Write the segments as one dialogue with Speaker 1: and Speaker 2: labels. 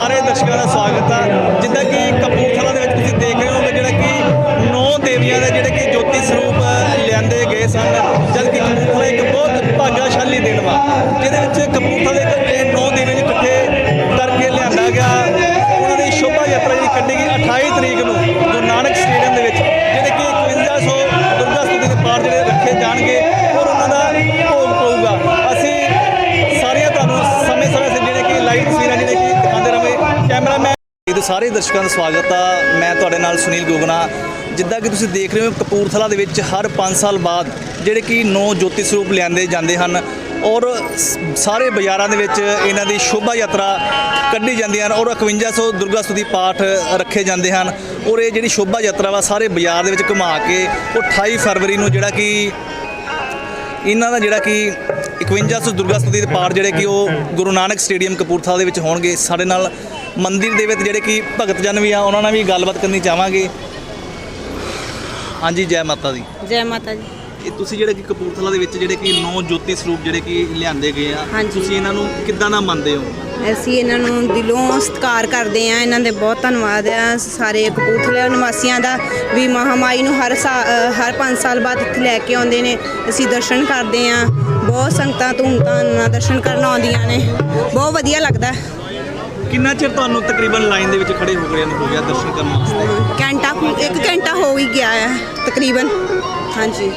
Speaker 1: ਸਾਰੇ ਦਰਸ਼ਕਾਂ ਦਾ ਸਵਾਗਤ ਹੈ। ਜਿੱਦਾਂ ਕਿ ਕਪੂਰਥਲਾ ਦੇ ਵਿੱਚ ਤੁਸੀਂ ਦੇਖ ਰਹੇ ਹੋਗੇ ਜਿਹੜਾ ਕਿ 9 ਦੇਵੀਆਂ ਦੇ ਜਿਹੜੇ ਕਿ ਜੋਤੀ ਸਰੂਪ ਲਿਆਂਦੇ ਗਏ ਸਨ, ਜਦ ਕਿ ਕਪੂਰਥਲਾ ਇੱਕ ਬਹੁਤ ਭਾਗਾਸ਼ਾਲੀ ਦਿਨ ਵਾ ਜਿਹਦੇ ਵਿੱਚ ਕਪੂਰਥਲਾ ਦੇ 9 ਦੇਵੀਆਂ ਨੂੰ ਇਕੱਠੇ ਕਰਕੇ ਲਿਆਂਦਾ ਗਿਆ। ਉਹਨਾਂ ਦੀ ਸ਼ੋਭਾ ਯਾਤਰਾ ਜਿਹੜੀ ਕੱਢੀ ਗਈ 28 ਤਰੀਕ ਨੂੰ ਗੁਰੂ ਨਾਨਕ ਸਟੇਡੀਅਮ ਦੇ ਵਿੱਚ, ਜਿਹੜੇ ਕਿ 5100 ਦੁਰਗਾ ਸਤੁਤੀ ਦੇ ਪਾਠ ਜਿਹੜੇ ਰੱਖੇ ਜਾਣਗੇ ਔਰ ਉਹਨਾਂ ਦਾ ਭੋਗ ਪਊਗਾ। ਅਸੀਂ ਸਾਰੀਆਂ ਤੁਹਾਨੂੰ ਸਮੇਂ-ਸਮੇਂ ਸਿਰ ਜਿਹੜੇ ਕਿ ਲਾਈਵ ਤਸਵੀਰਾਂ ਜਿਹੜੇ ਕਿ ਦਿਖਾਉਂਦੇ ਰਹਾਂਗੇ। ਕੈਮਰਾਮੈਨ ਸਾਰੇ ਦਰਸ਼ਕਾਂ ਦਾ ਸਵਾਗਤ ਆ। ਮੈਂ ਤੁਹਾਡੇ ਨਾਲ ਸੁਨੀਲ ਗੋਗਨਾ। ਜਿੱਦਾਂ ਕਿ ਤੁਸੀਂ ਦੇਖ ਰਹੇ ਹੋ ਕਪੂਰਥਲਾ ਦੇ ਵਿੱਚ ਹਰ 5 ਸਾਲ ਬਾਅਦ ਜਿਹੜੇ ਕਿ 9 ਜੋਤੀ ਸਰੂਪ ਲਿਆਂਦੇ ਜਾਂਦੇ ਹਨ ਔਰ ਸਾਰੇ ਬਾਜ਼ਾਰਾਂ ਦੇ ਵਿੱਚ ਇਹਨਾਂ ਦੀ ਸ਼ੋਭਾ ਯਾਤਰਾ ਕੱਢੀ ਜਾਂਦੀ ਹਨ ਔਰ 5100 ਦੁਰਗਾ ਸਤੁਤੀ ਪਾਠ ਰੱਖੇ ਜਾਂਦੇ ਹਨ। ਔਰ ਇਹ ਜਿਹੜੀ ਸ਼ੋਭਾ ਯਾਤਰਾ ਵਾ ਸਾਰੇ ਬਾਜ਼ਾਰ ਦੇ ਵਿੱਚ ਘੁਮਾ ਕੇ ਉਹ 28 ਫਰਵਰੀ ਨੂੰ ਜਿਹੜਾ ਕਿ ਇਹਨਾਂ ਦਾ ਜਿਹੜਾ ਕਿ 5100 ਦੁਰਗਾ ਸਤੁਤੀ ਦੇ ਪਾਠ ਜਿਹੜੇ ਕਿ ਉਹ ਗੁਰੂ ਨਾਨਕ ਸਟੇਡੀਅਮ ਕਪੂਰਥਲਾ ਦੇ ਵਿੱਚ ਹੋਣਗੇ। ਸਾਡੇ ਨਾਲ ਮੰਦਿਰ ਦੇ ਵਿੱਚ ਜਿਹੜੇ ਕਿ ਭਗਤ ਜਨ ਵੀ ਆ, ਉਹਨਾਂ ਨਾਲ ਵੀ ਗੱਲਬਾਤ ਕਰਨੀ ਚਾਹਾਂਗੇ। ਹਾਂਜੀ, ਜੈ ਮਾਤਾ ਦੀ।
Speaker 2: ਜੈ ਮਾਤਾ ਜੀ।
Speaker 1: ਇਹ ਤੁਸੀਂ ਜਿਹੜੇ ਕਿ ਕਪੂਰਥਲਾ ਦੇ ਵਿੱਚ ਜਿਹੜੇ ਕਿ 9 ਜੋਤੀ ਸਰੂਪ ਜਿਹੜੇ ਕਿ ਲਿਆਂਦੇ ਗਏ ਆ,
Speaker 2: ਹਾਂਜੀ।
Speaker 1: ਤੁਸੀਂ ਇਹਨਾਂ ਨੂੰ ਕਿੱਦਾਂ ਦਾ ਮੰਨਦੇ ਹੋ?
Speaker 2: ਅਸੀਂ ਇਹਨਾਂ ਨੂੰ ਦਿਲੋਂ ਸਤਿਕਾਰ ਕਰਦੇ ਹਾਂ। ਇਹਨਾਂ ਦੇ ਬਹੁਤ ਧੰਨਵਾਦ ਆ ਸਾਰੇ ਕਪੂਰਥਲਾ ਨਿਵਾਸੀਆਂ ਦਾ ਵੀ। ਮਹਾਮਾਈ ਨੂੰ ਹਰ 5 ਸਾਲ ਬਾਅਦ ਇੱਥੇ ਲੈ ਕੇ ਆਉਂਦੇ ਨੇ। ਅਸੀਂ ਦਰਸ਼ਨ ਕਰਦੇ ਹਾਂ। ਬਹੁਤ ਸੰਗਤਾਂ ਧੂਮ-ਧਾਮ ਨਾਲ ਦਰਸ਼ਨ ਕਰਨ ਆਉਂਦੀਆਂ ਨੇ। ਬਹੁਤ ਵਧੀਆ ਲੱਗਦਾ।
Speaker 1: ਕਿੰਨਾ ਚਿਰ ਤੁਹਾਨੂੰ ਤਕਰੀਬਨ ਲਾਈਨ ਦੇ ਵਿੱਚ ਖੜੇ ਹੋ ਗਿਆ ਦਰਸ਼ਨ ਕਰਨ ਵਾਸਤੇ?
Speaker 2: 1 ਘੰਟਾ ਹੋ ਹੀ ਗਿਆ ਹੈ ਤਕਰੀਬਨ। ਹਾਂਜੀ।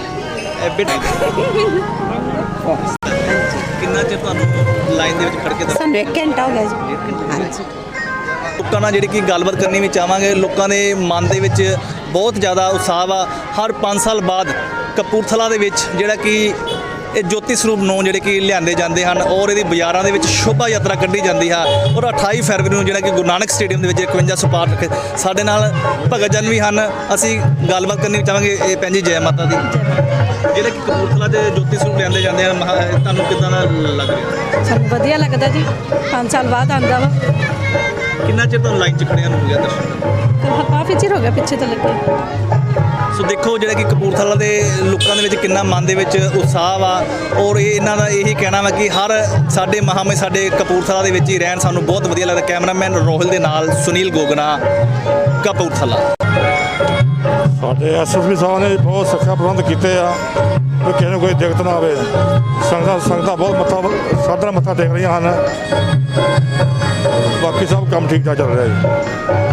Speaker 1: ਕਿੰਨਾ ਚਿਰ ਤੁਹਾਨੂੰ ਲਾਈਨ ਦੇ ਵਿੱਚ ਖੜ ਕੇ
Speaker 2: ਸਾਨੂੰ 1 ਘੰਟਾ ਹੋ ਗਿਆ ਜੀ। ਹਾਂਜੀ।
Speaker 1: ਲੋਕਾਂ ਨਾਲ ਜਿਹੜੀ ਕਿ ਗੱਲਬਾਤ ਕਰਨੀ ਵੀ ਚਾਹਾਂਗੇ। ਲੋਕਾਂ ਦੇ ਮਨ ਦੇ ਵਿੱਚ ਬਹੁਤ ਜ਼ਿਆਦਾ ਉਤਸ਼ਾਹ ਆ। ਹਰ 5 ਸਾਲ ਬਾਅਦ ਕਪੂਰਥਲਾ ਦੇ ਵਿੱਚ ਜਿਹੜਾ ਕਿ ਇਹ ਜੋਤੀ ਸਰੂਪ 9 ਜਿਹੜੇ ਕਿ ਲਿਆਂਦੇ ਜਾਂਦੇ ਹਨ ਔਰ ਇਹਦੀ ਬਾਜ਼ਾਰਾਂ ਦੇ ਵਿੱਚ ਸ਼ੋਭਾ ਯਾਤਰਾ ਕੱਢੀ ਜਾਂਦੀ ਹੈ। ਔਰ 28 ਫਰਵਰੀ ਨੂੰ ਜਿਹੜਾ ਕਿ ਗੁਰੂ ਨਾਨਕ ਸਟੇਡੀਅਮ ਦੇ ਵਿੱਚ 5100 ਪਾਠ ਰੱਖੇ। ਸਾਡੇ ਨਾਲ ਭਗਤ ਜਨ ਵੀ ਹਨ, ਅਸੀਂ ਗੱਲਬਾਤ ਕਰਨੀ ਚਾਹਾਂਗੇ। ਇਹ ਭੈਣ ਜੀ ਜੈ ਮਾਤਾ ਦੀ। ਜਿਹੜੇ ਕਿ ਕਪੂਰਥਲਾ ਦੇ ਜੋਤੀ ਸਰੂਪ ਲਿਆਂਦੇ ਜਾਂਦੇ ਹਨ, ਤੁਹਾਨੂੰ ਕਿੱਦਾਂ ਦਾ ਲੱਗ ਰਿਹਾ?
Speaker 3: ਸਾਨੂੰ ਵਧੀਆ ਲੱਗਦਾ ਜੀ। 5 ਸਾਲ ਬਾਅਦ ਆਉਂਦਾ ਵਾ।
Speaker 1: ਕਿੰਨਾ ਚਿਰ ਤੁਹਾਨੂੰ ਲਾਈਨ 'ਚ ਖੜਿਆਂ ਨੂੰ ਹੋ ਗਿਆ ਦਰਸ਼ਨ?
Speaker 3: ਕਾਫੀ ਚਿਰ ਹੋ ਗਿਆ ਪਿੱਛੇ ਤੋਂ ਲੱਗੇ।
Speaker 1: ਸੋ ਦੇਖੋ ਜਿਹੜਾ ਕਿ ਕਪੂਰਥਲਾ ਦੇ ਲੋਕਾਂ ਦੇ ਵਿੱਚ ਕਿੰਨਾ ਮਨ ਦੇ ਵਿੱਚ ਉਤਸ਼ਾਹ ਵਾ ਔਰ ਇਹਨਾਂ ਦਾ ਇਹੀ ਕਹਿਣਾ ਵਾ ਕਿ ਹਰ ਸਾਡੇ ਮਹਾਮੇ ਸਾਡੇ ਕਪੂਰਥਲਾ ਦੇ ਵਿੱਚ ਹੀ ਰਹਿਣ, ਸਾਨੂੰ ਬਹੁਤ ਵਧੀਆ ਲੱਗਦਾ। ਕੈਮਰਾਮੈਨ ਰੋਹਿਲ ਦੇ ਨਾਲ ਸੁਨੀਲ ਗੋਗਨਾ, ਕਪੂਰਥਲਾ।
Speaker 4: ਸਾਡੇ ਐਸਐਸਪੀ ਸਾਹਿਬ ਨੇ ਬਹੁਤ ਸੁਰੱਖਿਆ ਪ੍ਰਬੰਧ ਕੀਤੇ ਆ ਕਿ ਕਿਸੇ ਨੂੰ ਕੋਈ ਦਿੱਕਤ ਨਾ ਆਵੇ। ਸੰਗਤਾਂ ਬਹੁਤ ਸਾਧਨ ਮੱਥਾ ਟੇਕ ਰਹੀਆਂ ਹਨ। ਬਾਕੀ ਸਭ ਕੰਮ ਠੀਕ ਠਾਕ ਚੱਲ ਰਿਹਾ ਜੀ।